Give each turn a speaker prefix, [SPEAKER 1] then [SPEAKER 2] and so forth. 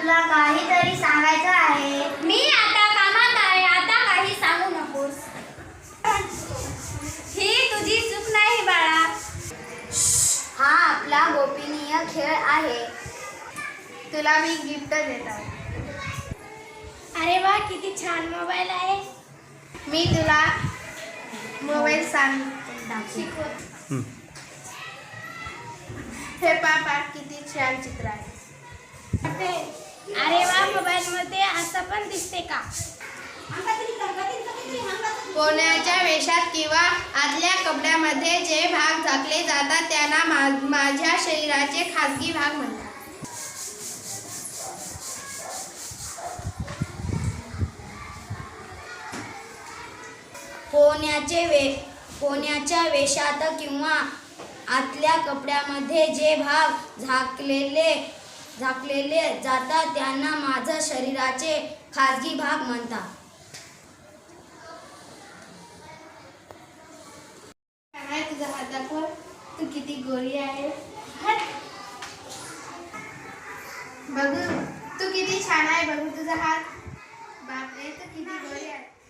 [SPEAKER 1] तुला काहीतरी सांगायचं आहे.
[SPEAKER 2] मी आता कामात आहे, आता काही सांगू नकोस. ही तुझी चूक नाही बाळा.
[SPEAKER 1] हा आपला गोपनीय खेळ आहे.
[SPEAKER 3] तुला मी गिफ्ट देत आहे.
[SPEAKER 2] अरे वा, किती छान मोबाईल आहे.
[SPEAKER 3] मी तुला मोबाईल
[SPEAKER 2] शिकव.
[SPEAKER 3] हे पापा किती छान चित्र आहे.
[SPEAKER 2] अरे वा, मोबाईल मध्ये असं पण दिसते का?
[SPEAKER 3] कोणाच्या वेशात किंवा आतल्या कपड्यामध्ये जे भाग झाकले जातात त्यांना माझ्या शरीराचे खासगी भाग म्हणतात.
[SPEAKER 1] कोण्याच्या वेशात किंवा आतल्या कपड्यामध्ये जे भाग झाकलेले जातात त्यांना माझ्या शरीराचे खासगी भाग म्हणतात.
[SPEAKER 3] तुझा हात दाखव. तू किती गोरी आहे. बघू तू किती छान आहे. बघू तुझा हात. बापरे तू किती गोरी आहे.